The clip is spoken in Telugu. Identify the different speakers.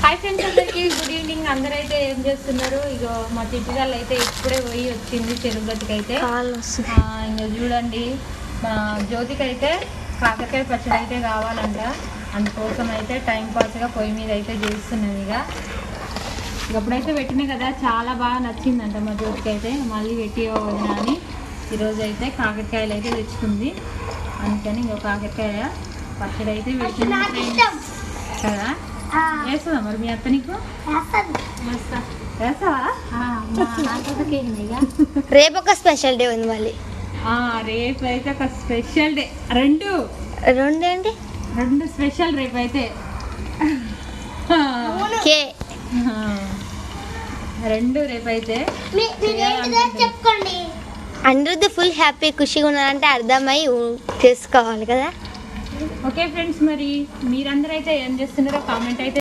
Speaker 1: హాయ్ ఫ్రెండ్స్, అందరికి గుడ్ ఈవినింగ్. అందరైతే ఏం చేస్తున్నారు? ఇగో మా చిట్టిగాళ్ళు అయితే ఇప్పుడే పోయి వచ్చింది తిరుపతికి అయితే. ఇంకా చూడండి, మా జ్యోతికి అయితే కాకరకాయ పచ్చడి అయితే కావాలంట. అందుకోసం అయితే టైం పాస్గా పొయ్యి మీద అయితే చేస్తున్నది. ఇక ఇప్పుడైతే పెట్టినాయి కదా, చాలా బాగా నచ్చిందంట మా జ్యోతికి అయితే. మళ్ళీ పెట్టి వదిన అని ఈరోజు అయితే కాకరకాయలు అయితే తెచ్చుకుంది. అందుకని ఇంకో కాకరకాయ పచ్చడి అయితే పెట్టింది కదా. వేస్తుందా మరి మీ అత్త నీకు?
Speaker 2: రేపు ఒక స్పెషల్ డే ఉంది మళ్ళీ.
Speaker 1: రేపు అయితే ఒక స్పెషల్ డే. రెండు
Speaker 2: ఏంటి?
Speaker 1: రెండు స్పెషల్ రేపు అయితే. రెండు రేపు అయితే
Speaker 2: చెప్పండి. అనిరుద్ధ ఫుల్ హ్యాపీ ఖుషిగా ఉన్నారంటే అర్థమై చేసుకోవాలి కదా.
Speaker 1: ఓకే ఫ్రెండ్స్, మరి మీరందరూ అయితే ఏం చేస్తున్నారో కామెంట్ అయితే